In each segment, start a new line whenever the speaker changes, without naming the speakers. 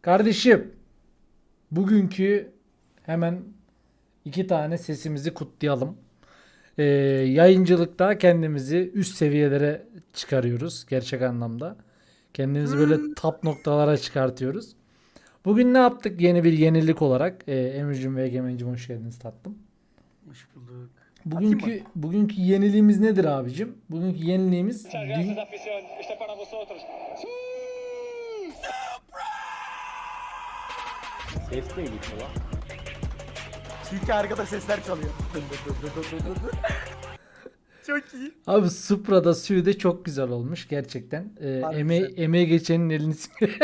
Kardeşim, bugünkü hemen iki tane sesimizi kutlayalım. Yayıncılıkta kendimizi üst seviyelere çıkarıyoruz gerçek anlamda. Kendimizi böyle top noktalara çıkartıyoruz. Bugün ne yaptık yeni bir yenilik olarak? Emircim ve Egemen'cim hoş geldiniz tatlım.
Hoş bulduk. Atayım mı?
Bugünkü yeniliğimiz nedir abicim? Bugünkü yeniliğimiz
Muchas gracias, afición. Esto es para vosotros.
Ses neydi lan?
Çünkü arkada sesler çalıyor. Dı dı dı dı dı dı dı. Çok iyi.
Abi Supra'da Su'de çok güzel olmuş gerçekten.
Harbi
Emeği geçenin elini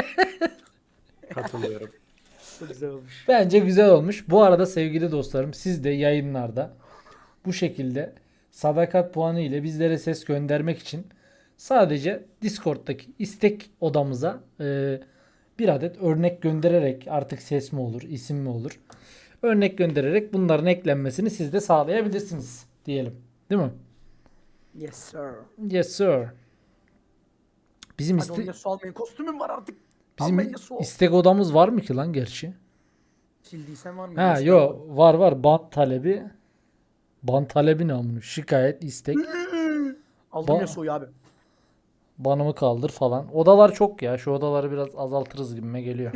Katılıyorum.
Çok güzel olmuş.
Bence güzel olmuş. Bu arada sevgili dostlarım siz de yayınlarda bu şekilde sadakat puanı ile bizlere ses göndermek için sadece Discord'daki istek odamıza bir adet örnek göndererek artık ses mi olur, isim mi olur? Örnek göndererek bunların eklenmesini siz de sağlayabilirsiniz diyelim. Değil mi?
Yes sir.
Yes sir. Bizim
Hadi onu su almayın. Kostümüm var artık.
bizim
Almayın su.
istek odamız var mı ki lan gerçi?
Sildiysen var mı?
Ha
Eskiden
yo var bant talebi. Bant talebi ne amına? Şikayet, istek.
Aldım
Ba-
ya soyu abi.
Banımı kaldır falan. Odalar çok ya. Şu odaları biraz azaltırız gibime geliyor.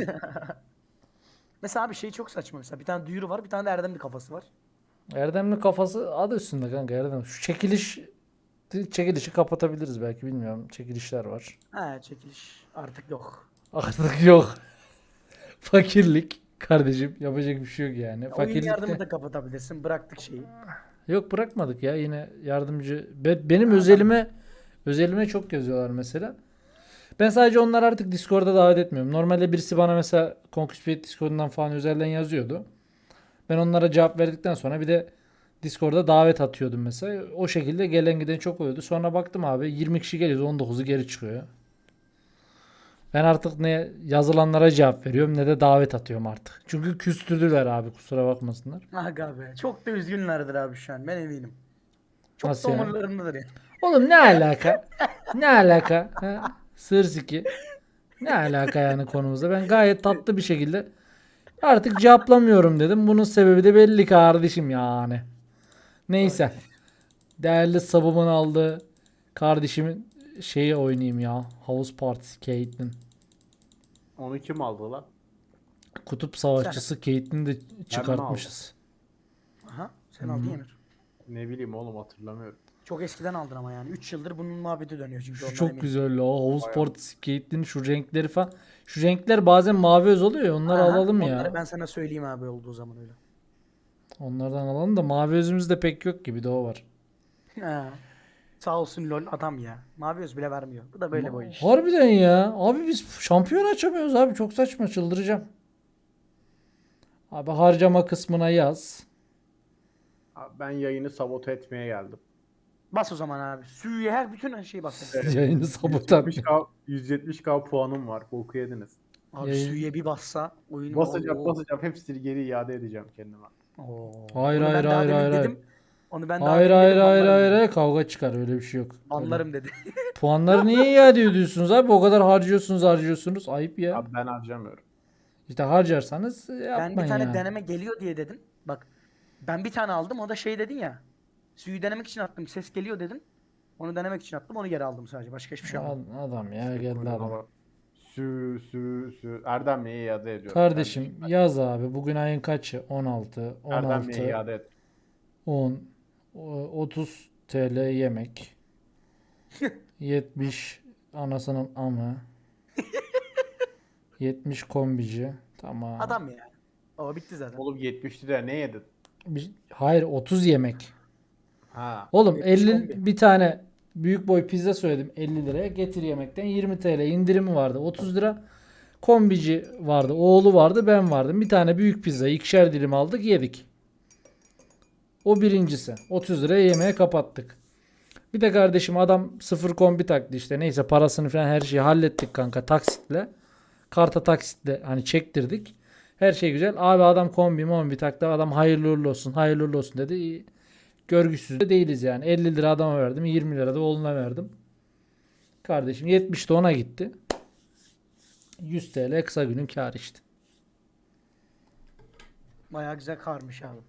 Mesela abi şey çok saçma mesela. Bir tane duyuru var, bir tane de Erdemli kafası var.
Erdemli kafası adı üstünde kanka Erdem. Şu çekilişi kapatabiliriz belki bilmiyorum. Çekilişler var.
He çekiliş artık yok.
Artık yok. Fakirlik kardeşim yapacak bir şey yok yani.
Oyun yardımı
Fakirlikte
da kapatabilirsin. Bıraktık şeyi.
yok bırakmadık ya yine yardımcı. Benim özelime çok yazıyorlar mesela. Ben sadece onları artık Discord'a davet etmiyorum. Normalde birisi bana mesela Conquest Discord'dan falan özelden yazıyordu. Ben onlara cevap verdikten sonra bir de Discord'a davet atıyordum mesela. O şekilde gelen giden çok oluyordu. Sonra baktım abi 20 kişi geliyor 19'u geri çıkıyor. Ben artık ne yazılanlara cevap veriyorum ne de davet atıyorum artık. Çünkü küstürdüler abi kusura bakmasınlar.
Aga be. Çok da üzgünlerdir abi şu an. Ben eminim. Çok
Nasıl
da
yani?
umurlarındadır ya.
Oğlum ne alaka? Ne alaka? Ha? Sırsiki. Ne alaka yani konumuzda? Ben gayet tatlı bir şekilde artık cevaplamıyorum dedim. Bunun sebebi de belli kardeşim yani. Neyse. Değerli sabımın aldığı kardeşimin şeyi oynayayım ya. House Partisi Caitlyn.
Onu kim aldı lan?
Kutup Savaşçısı Caitlyn'i de
Ben
çıkartmışız.
Aha. Sen aldın Emir.
Ne bileyim oğlum hatırlamıyorum.
Çok eskiden aldın ama yani. 3 yıldır bunun muhabbeti dönüyor çünkü
Şu
ondan
çok
eminim.
güzel o. House
Bayağı.
Partisi Caitlyn şu renkleri falan. Şu renkler bazen mavi öz oluyor ya onları
Aha,
alalım
onları
ya.
ben sana söyleyeyim abi olduğu zaman öyle.
Onlardan alalım da mavi özümüz de pek yok gibi de o var.
Ha. Sağ olsun lol adam ya. Mavi öz bile vermiyor. Bu da böyle bu iş.
Harbiden ya. Abi biz şampiyon açamıyoruz abi. Çok saçma çıldıracağım. Abi harcama kısmına yaz.
Abi ben yayını sabote etmeye geldim.
Bas o zaman abi. Suyu her bütün şeyi bas.
Yayını sabotan.
170k puanım var. Boku yediniz.
Abi
Yayın-
suya bir bassa oyunu
Basacağım. Hepsini geri iade edeceğim kendime.
Oo.
Hayır,
Onu
hayır,
ben daha
hayır,
demin
hayır,
dedim. Onu ben daha
Hayır
demin
hayır
dedim.
hayır
banlarım
hayır
dedi.
hayır kavga çıkar öyle bir şey yok. Öyle.
Banlarım dedi.
Puanları niye iade ediyorsunuz abi? O kadar harcıyorsunuz. Ayıp ya.
Abi ben harcamıyorum.
İşte harcarsanız
Ben
yapmayın
bir tane
yani.
deneme geliyor diye dedin. Bak ben bir tane aldım o da şey dedin ya. Suyu denemek için attım. Ses geliyor dedin. Onu denemek için attım. Onu geri aldım sadece. Başka hiçbir şey almadım.
Adam ya geldi adam.
Ama Erdemli'ye iade ediyorum.
Kardeşim yaz abi. Bugün ayın kaçı? 16,
Erdemli'ye
16,
iade et.
10, 30 TL yemek. 70 anasının amı. 70 kombici. Tamam.
Adam ya. O bitti zaten.
Oğlum 70 lira ne yedin?
Hayır 30 yemek.
Ha.
Oğlum
70
50
kombi.
bir tane büyük boy pizza söyledim 50 liraya. Getir yemekten 20 TL indirimi vardı. 30 lira kombici vardı. Oğlu vardı ben vardım. Bir tane büyük pizza ikişer dilim aldık yedik. O birincisi. 30 liraya yemeğe kapattık. Bir de kardeşim adam sıfır kombi taktı işte. Neyse parasını falan her şeyi hallettik kanka taksitle. Karta taksitle hani çektirdik. Her şey güzel. Abi adam kombi taktı. Adam hayırlı uğurlu olsun. Hayırlı uğurlu olsun dedi. Görgüsüz de değiliz yani. 50 lira adama verdim. 20 lira da oğluna verdim. Kardeşim 70 de ona gitti. 100 TL kısa günün kârı işte.
Bayağı güzel karmış abi.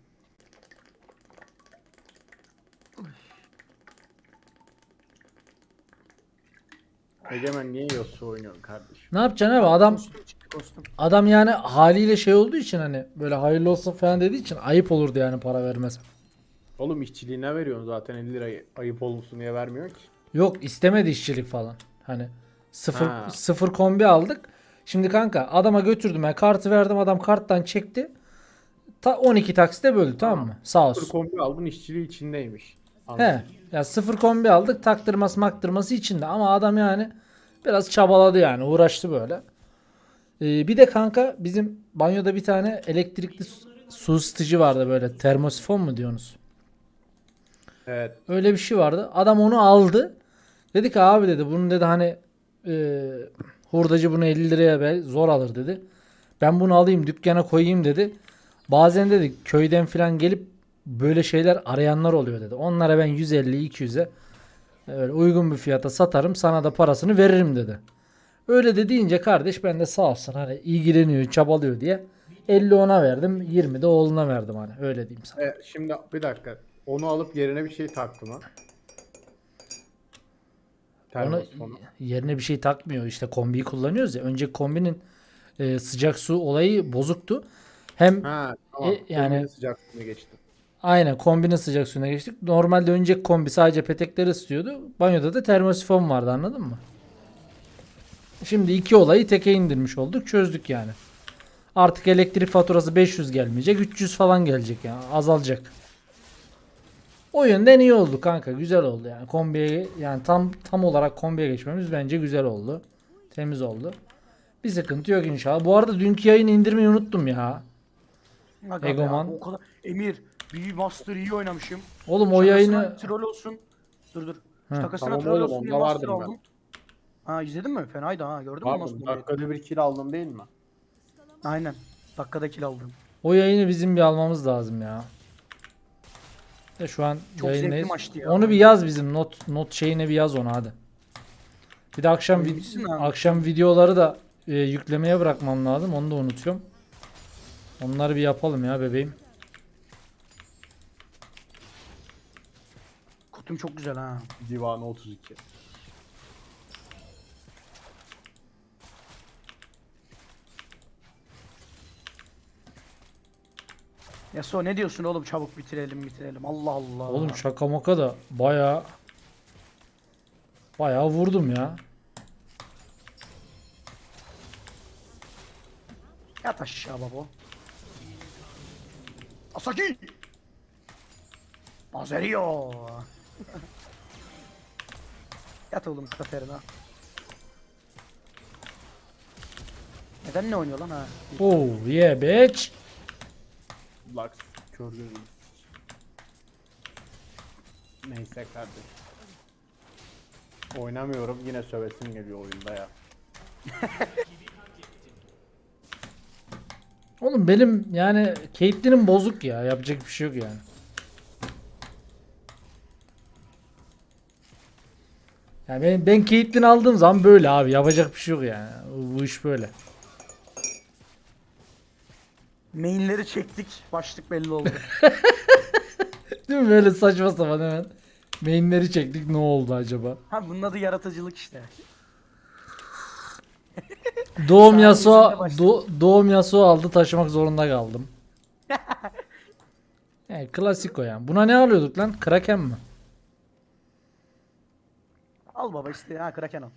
Egemen niye Yasuo oynuyorsun kardeşim?
Ne yapacaksın abi? Adam
Kostüm çıktı kostüm.
adam yani haliyle şey olduğu için hani böyle hayırlı olsun falan dediği için ayıp olurdu yani para vermez.
Oğlum işçiliğine veriyorsun zaten 50 lirayı ayıp olsun diye vermiyor ki.
Yok istemedi işçilik falan. Hani sıfır,
Ha.
sıfır kombi aldık. Şimdi kanka adama götürdüm ben kartı verdim adam karttan çekti. 12 taksite böldü tamam mı? Sağ
Sıfır
olsun.
kombi aldın işçiliği içindeymiş.
He.
Anladım.
Ya sıfır kombi aldık taktırması maktırması içinde ama adam yani biraz çabaladı yani uğraştı böyle. Bir de kanka bizim banyoda bir tane elektrikli su ısıtıcı vardı böyle termosifon mu diyorsunuz?
Evet.
Öyle bir şey vardı. Adam onu aldı. Dedi ki abi dedi bunu dedi hani e, hurdacı bunu 50 liraya zor alır dedi. Ben bunu alayım dükkana koyayım dedi. Bazen dedi köyden falan gelip böyle şeyler arayanlar oluyor dedi. Onlara ben 150-200'e öyle uygun bir fiyata satarım sana da parasını veririm dedi. Öyle de deyince kardeş ben de sağ olsun hani ilgileniyor çabalıyor diye 50 ona verdim 20 de oğluna verdim hani öyle diyeyim sana.
Şimdi bir dakika. Onu alıp yerine bir şey taktı mı?
Ona
Termosifonu.
yerine bir şey takmıyor. İşte kombiyi kullanıyoruz ya. Önce kombinin sıcak su olayı bozuktu. Hem
Ha tamam.
yani
Kombinin sıcaklığına geçti.
aynen kombinin sıcak suyuna geçtik. Normalde önceki kombi sadece petekleri ısıtıyordu. Banyoda da termosifon vardı anladın mı? Şimdi iki olayı teke indirmiş olduk. Çözdük yani. Artık elektrik faturası 500 gelmeyecek. 300 falan gelecek yani. Azalacak. O yönden iyi oldu kanka. Güzel oldu yani. Kombiye yani tam olarak kombiye geçmemiz bence güzel oldu. Temiz oldu. Bir sıkıntı yok inşallah. Bu arada dünkü yayını indirmeyi unuttum ya.
Aga be
Egoman.
abi, o kadar. Emir, bir Master iyi oynamışım.
Oğlum o
Şakasına
yayını
troll olsun. Dur.
Heh.
Şakasına
Tamam
troll
oğlum,
olsun diye
onda
Master
vardım ben.
aldım. Ha izledin mi? Fenaydı ha. Gördün mü nasıl
Pardon,
bombayı?
dakikada bir kill aldım değil mi?
Aynen. Dakikada kill aldım.
o yayını bizim bir almamız lazım ya. De şu an
Çok
yayındayız.
zevkli maçtı ya.
Onu bir yaz bizim not şeyine bir yaz onu hadi. Bir de akşam
Oyuncusun abi.
akşam videoları da yüklemeye bırakmam lazım. Onu da unutuyorum. Onları bir yapalım ya bebeğim.
Kutum çok güzel ha.
Divanı 32.
Yasuo ne diyorsun oğlum, çabuk bitirelim. Allah Allah.
Oğlum şaka maka da bayağı vurdum ya.
Yat aşağı babo. Asaki. Azerio. Yat oğlum Katerina. Neden ne oynuyor lan ha?
Oh yeah bitch.
Lux kör gözüm. Neyse kardeşim. Oynamıyorum yine sövesim geliyor oyunda ya.
Oğlum benim yani Caitlyn'im bozuk ya. Yapacak bir şey yok yani. Yani ben Caitlyn aldığım zaman böyle abi. Yapacak bir şey yok yani. Bu iş böyle.
Mainleri çektik. Başlık belli oldu.
Değil mi? Böyle saçma sapan hemen. Mainleri çektik. Ne oldu acaba?
Ha bunun adı yaratıcılık işte.
Doğum
Saniyesinde
Yasuo
başladı.
Doğum Yasuo aldı taşımak zorunda kaldım. Yani klasik o yani. Buna ne alıyorduk lan? Kraken mi?
Al baba işte, ha Kraken al.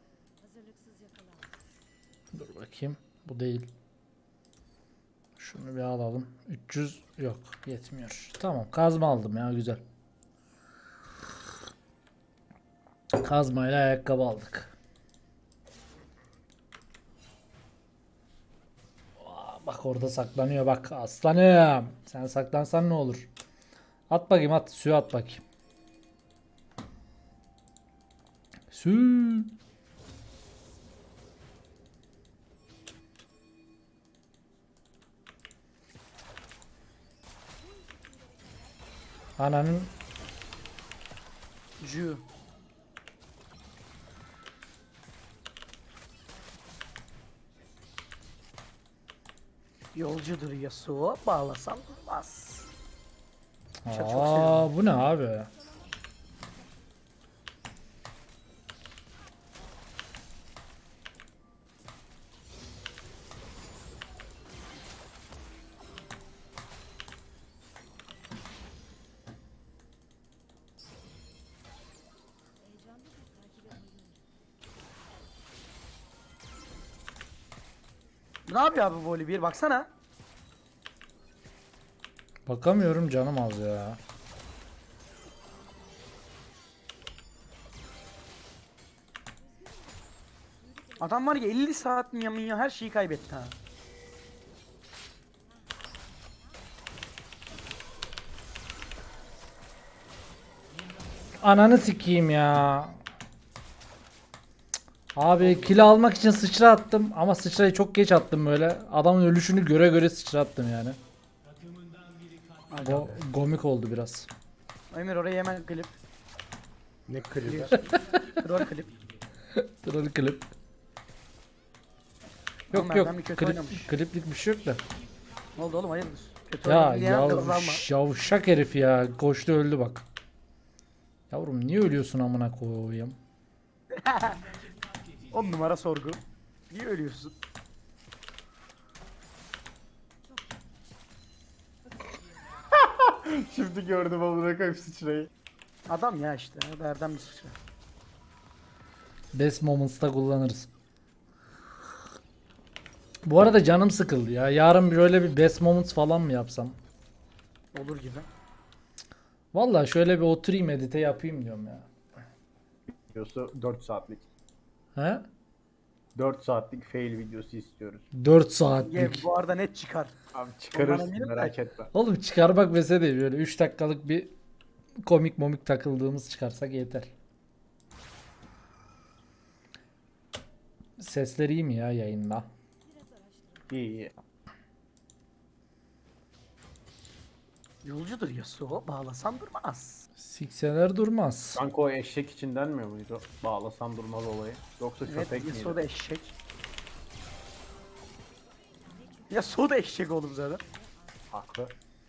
Dur bakayım. Bu değil. Şunu bir alalım. 300 yok. Yetmiyor. Tamam. Kazma aldım ya. Güzel. Kazmayla ayakkabı aldık. Bak orada saklanıyor bak aslanım. Sen saklansan ne olur? At bakayım at. Suya at bakayım. Su. Ananın
Yolcudur Yasuo, bağlasam durmaz. Çok
Aa, bu ne abi?
Ne yapıyor abi voli bir baksana.
Bakamıyorum, canım az ya.
Adam var ya 50 saat minya her şeyi kaybetti ha.
Ananı sikeyim ya. Abi kill almak için sıçra attım ama sıçrayı çok geç attım böyle. Adamın ölüşünü göre göre sıçra attım yani. Bu komik oldu biraz.
Emir oraya hemen klip.
Ne klibi.
Troll klip.
Troll klip.
Oğlum
Yok yok,
Erdem bir kötü oynamış.
kliplik bir şey yok da.
Ne oldu oğlum hayırdır? Kötü
Ya
oynadı diye kazanma.
yavşak herif ya. Koştu öldü bak. Yavrum niye ölüyorsun amına koyayım?
10 numara sorgu. Niye ölüyorsun?
Şimdi gördüm amına koyayım sıçrayı.
Adam ya işte. O da Erdem bir sıçra.
Best moments'ta kullanırız. Bu arada canım sıkıldı ya. Yarın böyle bir best moments falan mı yapsam?
Olur gibi.
Vallahi şöyle bir oturayım edite yapayım diyorum ya.
Videosu 4 saatlik.
He?
4 saatlik fail videosu istiyoruz.
4
Ye,
saatlik.
bu arada net çıkar.
Abi
Ondan
çıkarırsın
eminim de.
merak etme.
Oğlum çıkarmak mesele değil, böyle 3 dakikalık bir komik momik takıldığımız çıkarsak yeter. Sesler iyi mi ya yayında?
İyi iyi.
Yolcudur Yasuo, bağlasan durmaz.
Sikseler durmaz.
Kanka o eşek için denmiyor muydu? Bağlasam durmaz olayı. Yoksa
Evet,
köpek
Yasuo
miydi?
da eşek. Yasuo da eşek oğlum zaten.
Haklı.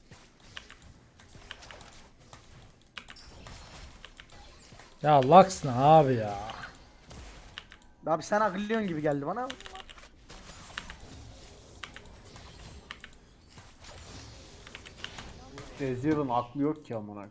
Ya Lux ne abi ya?
Abi sen aglıyorsun gibi geldi bana.
Ezreal'ın aklı yok ki amına koyayım.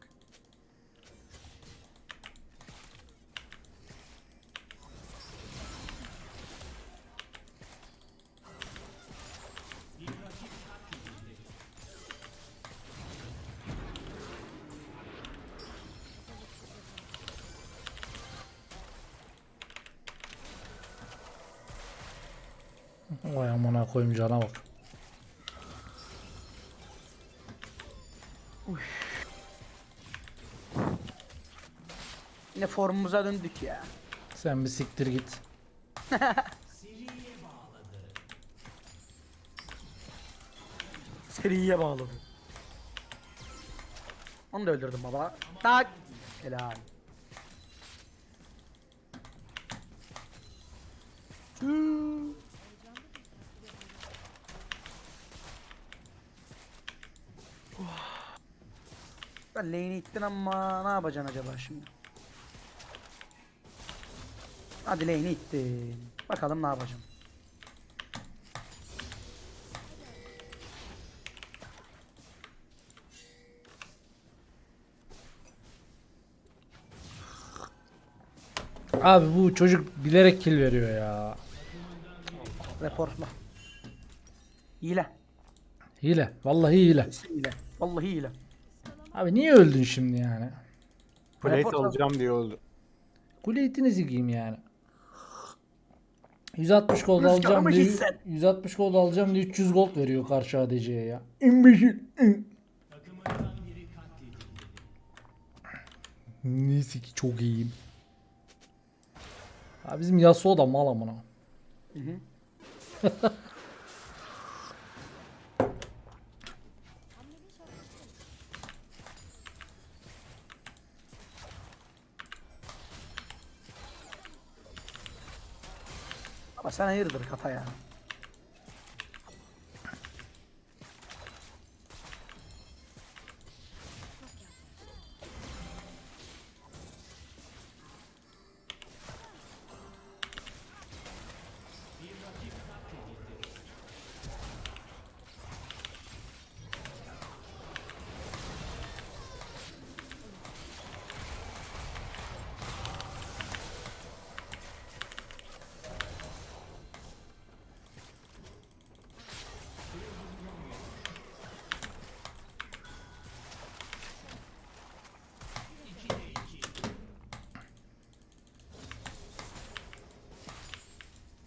Vay amına koyayım, cana bak.
Yine formumuza döndük ya.
Sen bir siktir git.
Seriye bağladım. Onu da öldürdüm baba. Tak. Helal. Tüh. Ben lane'i ittin ama ne yapacaksın acaba şimdi? Hadi lane'i ittin. Bakalım ne yapacaksın.
Abi bu çocuk bilerek kill veriyor ya.
Reportla. Hile.
Hile. Vallahi hile.
Hile. Vallahi hile.
Abi niye öldün şimdi yani?
Plate
Report al.
alacağım diye öldü.
Kule itinizi giyeyim yani. 160 gold
Rüzgarı
alacağım
mı
diye
gitsen?
160 gold alacağım diye 300 gold veriyor karşı ADC'ye ya. İmbeşil. Neyse ki çok iyiyim. Abi bizim Yasuo da mal amına.
Hı hı. Ama sen hayırdır kafa ya.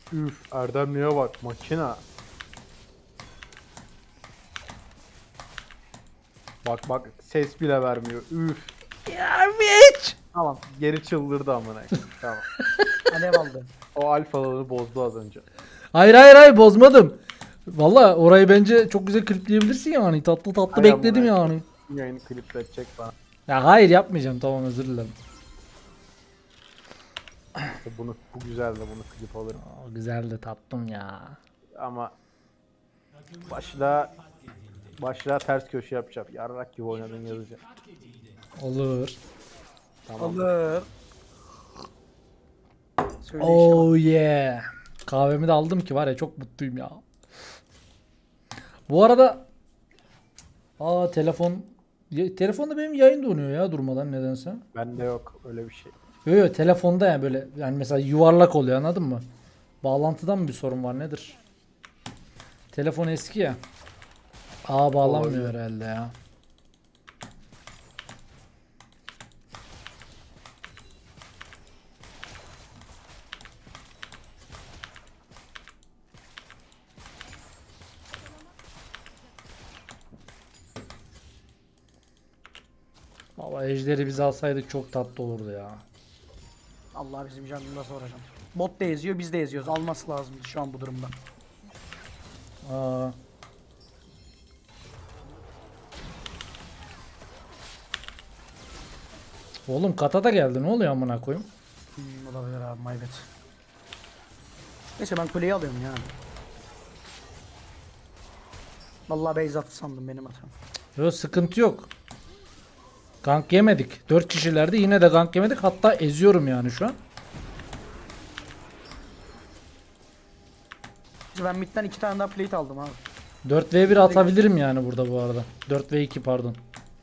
Üf Erdemli'ye bak makina. Bak bak ses bile vermiyor. Üf.
Ya hiç.
Tamam geri çıldırdı amına koyayım. Tamam.
Alev aldı.
O alfaları bozdu az önce.
Hayır bozmadım. Valla orayı bence çok güzel klipleyebilirsin yani. Tatlı tatlı
Hay
bekledim
amına
yani.
Yayını klipletecek bana.
Ya hayır yapmayacağım, tamam, özür dilerim.
İşte bunu bu güzel de bunu klip alırım.
Aa, güzeldi, tatlım ya.
Ama başla ters köşe yapacağım. Yarrak gibi oynadın yazacağım.
Olur.
Tamam.
Alır. Söyle işte bak.
Oh yeah. Kahvemi de aldım ki var ya, çok mutluyum ya. Bu arada telefonda benim yayın donuyor ya durmadan nedense.
Bende yok öyle bir şey.
Yok telefonda yani böyle, yani mesela yuvarlak oluyor, anladın mı? Bağlantıdan mı bir sorun var, nedir? Telefon eski ya. Bağlanmıyor
Olabilir.
herhalde ya. Baba ejderi biz alsaydık çok tatlı olurdu ya.
Allah bizim canını da soracağım. Bot da eziyor, biz de eziyoruz. Alması lazım şu an bu durumda.
Aa. Oğlum kata da geldi, ne oluyor amına koyayım?
Olabilir abi, my bad. Neyse ben kuleyi alıyorum ya. Vallahi base attı sandım benim hatam.
Yok sıkıntı yok. Gank yemedik. 4 kişilerdi, yine de gank yemedik. Hatta eziyorum yani şu an.
Ben midden 2 tane daha plate aldım abi.
4v1 atabilirim yani burada bu arada. 4v2 pardon.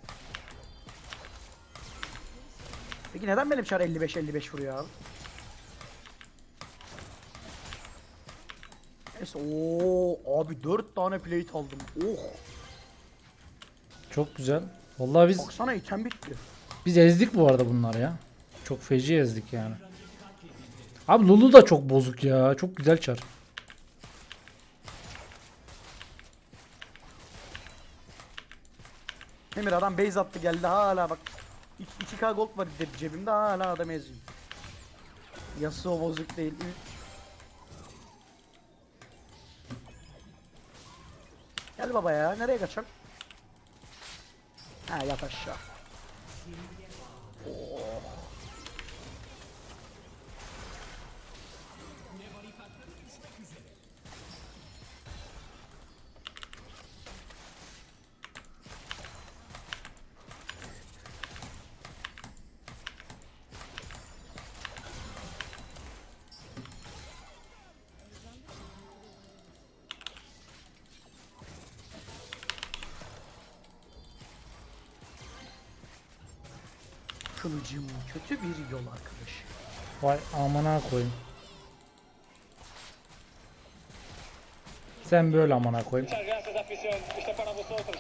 Peki neden benim çar 55 vuruyor abi? Neyse ooo abi 4 tane plate aldım. Oh.
Çok güzel. Vallahi
Baksana item bitti.
biz ezdik bu arada bunlar ya. Çok feci ezdik yani. Abi Lulu da çok bozuk ya. Çok güzel çar.
Emir adam base attı geldi hala bak. 2k gold var dedi cebimde hala adam eziyor. Yasuo bozuk değil. Gel baba ya nereye kaçak? Ha yat aşağı. Kılıcım kötü bir yol arkadaş.
Vay amına koyayım. Sen böyle amına koyayım.
Muchas gracias, afición. Esto para vosotros.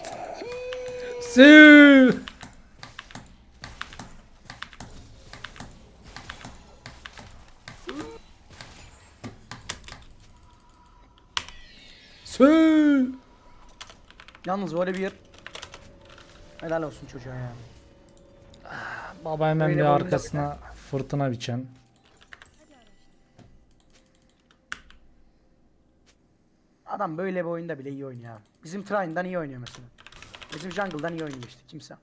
Sü. Sü.
Yalnız böyle bir helal olsun çocuğa yani.
Baba hemen
Böyle
bir
oyunda
arkasına fırtına biçen.
Adam böyle bir oyunda bile iyi oynuyor abi. Bizim Trine'dan iyi oynuyor mesela. Bizim Jungle'dan iyi oynuyor işte kimse.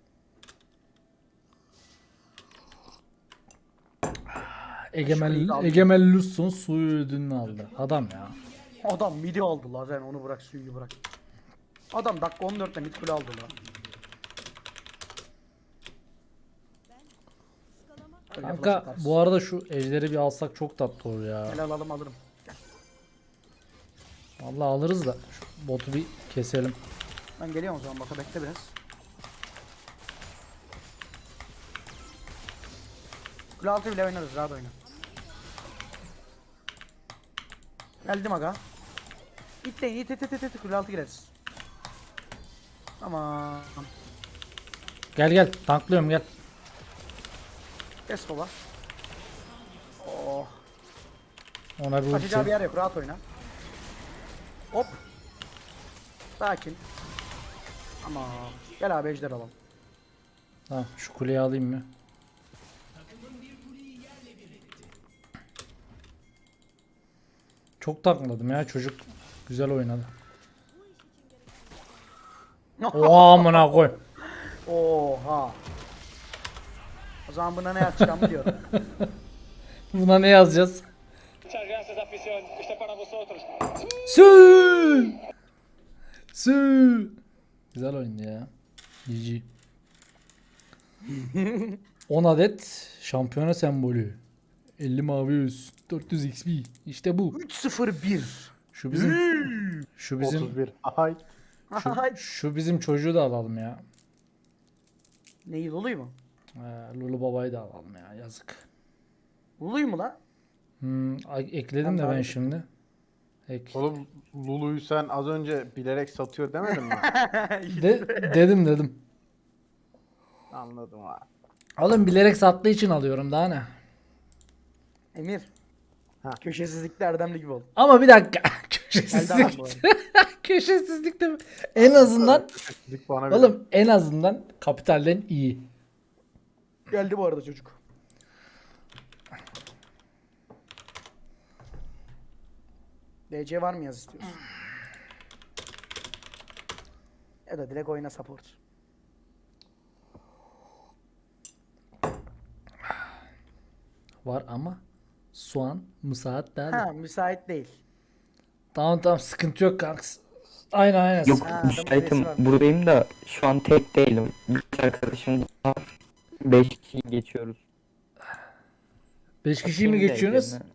Egemen Lusson suyu ödülünü aldı. Adam ya.
Adam midi aldı la sen onu bırak suyu bırak. Adam dakika 14'te mid kule aldı la. Öyle flash
Kanka
atarsın.
bu arada şu ejderi bir alsak çok tatlı olur ya.
Helal alırım. Gel.
Vallahi alırız da şu botu bir keselim.
Ben geliyorum o zaman baka bekle biraz. Kule altı bile oynarız rahat oyna. Geldim aga. İtleyin it kule altı gireriz. Tamam.
Gel tanklıyorum gel.
Kes baba. Oh.
Ona bir
Kaçacağı bir
ulti.
yer yok. Rahat oyna. Hop. Sakin. Ama gel abi ejder alalım.
Tamam şu kuleyi alayım mı? Çok takmadım ya çocuk. Güzel oynadı. Oha amına koy.
Oha. O zaman buna ne yapacağımı biliyorum.
Buna ne yazacağız?
Muchas gracias, afición. Esto es para vosotros.
Sü! Sü! Güzel oyundu ya. GG. 10 adet şampiyona sembolü. 50 mavi yüz. 400 XP. İşte bu.
3-0-1.
Şu bizim şu bizim
31. Ay.
şu bizim çocuğu da alalım ya.
Neyi Lulu'yu mu?
Lulu babayı da alalım ya. Yazık.
Lulu'yu mu lan?
Ekledim
Ben
de
daha
ben
da-
şimdi. Ek.
Oğlum Lulu'yu sen az önce bilerek satıyor demedin mi?
Dedim.
Anladım ha.
Oğlum bilerek sattığı için alıyorum daha ne?
Emir.
Ha.
Köşesizlikte Erdemli gibi ol.
Ama bir dakika.
Geldi adam bu
Köşesizlik. Köşesizlik de mi? En azından
Dik bana verin.
oğlum en azından kapitalden iyi.
Geldi bu arada çocuk. DC var mı yaz istiyorsun? Ya da direkt oyna support.
Var ama soğan müsait değil.
Ha müsait değil.
Tamam sıkıntı yok kanks. Aynen.
Yok
Ha, adamın
müsaitim
birisi var.
buradayım da şu an tek değilim. Bir arkadaşım var. 5 kişi geçiyoruz.
5 kişiyi mi
Atayım da
geçiyorsunuz?
ekranı.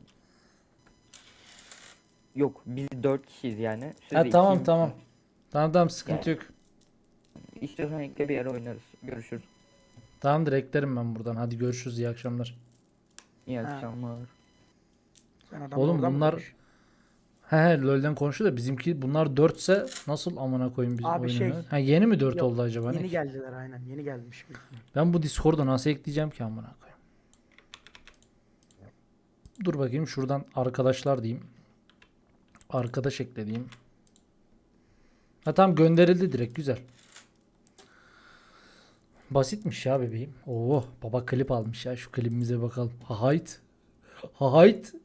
Yok biz 4 kişiyiz yani. Siz
Ha
de
tamam
ikiyim.
tamam. Tamam sıkıntı yok.
İstiyorsan ekle bir ara oynarız. Görüşürüz.
Tamamdır eklerim ben buradan. Hadi görüşürüz iyi akşamlar.
İyi
Ha.
akşamlar.
Sen adam
Oğlum
oradan mı
bunlar-
konuş?
He LoL'den konuşuyor da bizimki bunlar 4 ise nasıl amına koyayım biz
Abi
oyunu?
şey-
Ha yeni mi 4
Yok,
oldu acaba? Ne
Yeni
ki?
geldiler aynen. Yeni gelmiş.
Ben bu Discord'a nasıl ekleyeceğim ki amına koyayım? Dur bakayım şuradan arkadaşlar diyeyim. Arkadaş ekle diyeyim. Ha tamam gönderildi direkt güzel. Basitmiş ya bebeğim. Oo baba klip almış ya şu klibimize bakalım. Hahayt. Hahayt.